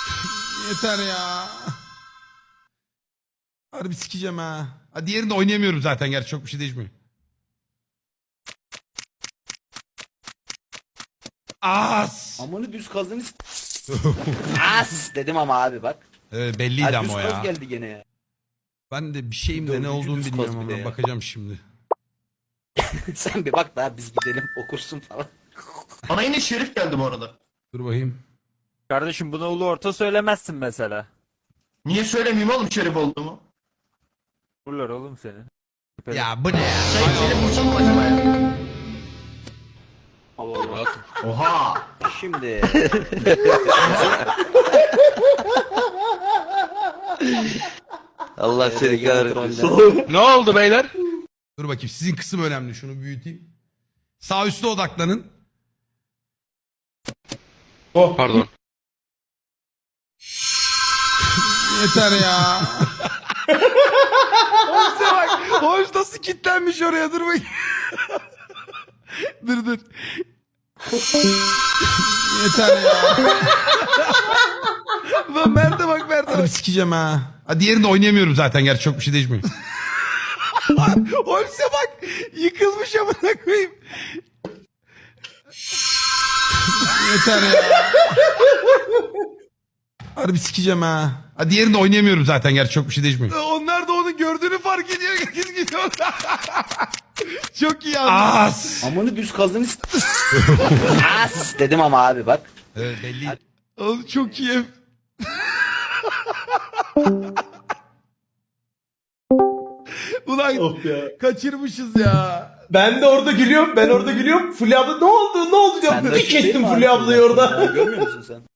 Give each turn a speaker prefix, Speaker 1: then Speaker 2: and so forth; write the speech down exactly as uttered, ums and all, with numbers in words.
Speaker 1: Yeter ya. Harbi sikeceğim ha. Ha diğerini de oynayamıyorum zaten, gerçi çok bir şey değişmiyor. As.
Speaker 2: Amanı düz kazın As dedim ama abi bak.
Speaker 1: Evet, belliydi
Speaker 2: Ha,
Speaker 1: ama
Speaker 2: düz
Speaker 1: o
Speaker 2: kaz
Speaker 1: ya.
Speaker 2: geldi gene ya.
Speaker 1: Ben de bir şeyim de ne
Speaker 2: Dördüncü
Speaker 1: olduğunu
Speaker 2: düz
Speaker 1: bilmiyorum
Speaker 2: kaz bir de
Speaker 1: ama
Speaker 2: ya.
Speaker 1: bakacağım şimdi.
Speaker 2: Sen bir bak daha biz gidelim okursun falan.
Speaker 3: Bana yine Şerif geldi bu arada.
Speaker 1: Dur bakayım.
Speaker 4: Kardeşim buna ulu orta söylemezsin mesela.
Speaker 3: Niye söylemeyeyim oğlum Şerif olduğumu?
Speaker 4: Vururlar oğlum seni.
Speaker 1: Ya bu ne ya?
Speaker 3: Sen Şerif vursam mı acaba ya?
Speaker 2: Allah Allah.
Speaker 3: Oha!
Speaker 2: Şimdi
Speaker 5: Allah seni
Speaker 2: Ege
Speaker 5: kahretmesin.
Speaker 2: kontrolde.
Speaker 6: Ne oldu beyler?
Speaker 1: Dur bakayım, sizin kısım önemli, şunu büyüteyim. Sağ üstte odaklanın.
Speaker 6: Pardon.
Speaker 1: Yeter ya. Hoşça bak. Hoş nasıl kilitlenmiş oraya, dur bakayım. dur dur. Yeter ya. Lan Mert'e bak Mert'e bak. Harbi sikeceğim ha. Ha diğerini de oynayamıyorum zaten, gerçi çok bir şey değişmiyor. Holmes'e bak. Yıkılmış amına koyayım. Yeter ya. Harbi sikeceğim ha. Ha diğerini de oynayamıyorum zaten, gerçi çok bir şey değişmiyor. Onlar da onu gördüğünü fark ediyor. Herkes gidiyor. Çok iyi anladım. As.
Speaker 2: Amanı düz kazın As dedim ama abi bak.
Speaker 1: Evet, belli. Oğlum çok iyi. Ulan
Speaker 7: Of ya.
Speaker 1: kaçırmışız ya.
Speaker 7: Ben de orada gülüyorum. Ben orada gülüyorum. Fulya abla ne oldu? Ne oldu diyorum.
Speaker 2: Sen de
Speaker 7: Bir
Speaker 2: şey değil
Speaker 7: kestim
Speaker 2: mi
Speaker 7: Fulya
Speaker 2: abi?
Speaker 7: ablayı orada.
Speaker 2: Görmüyor musun sen?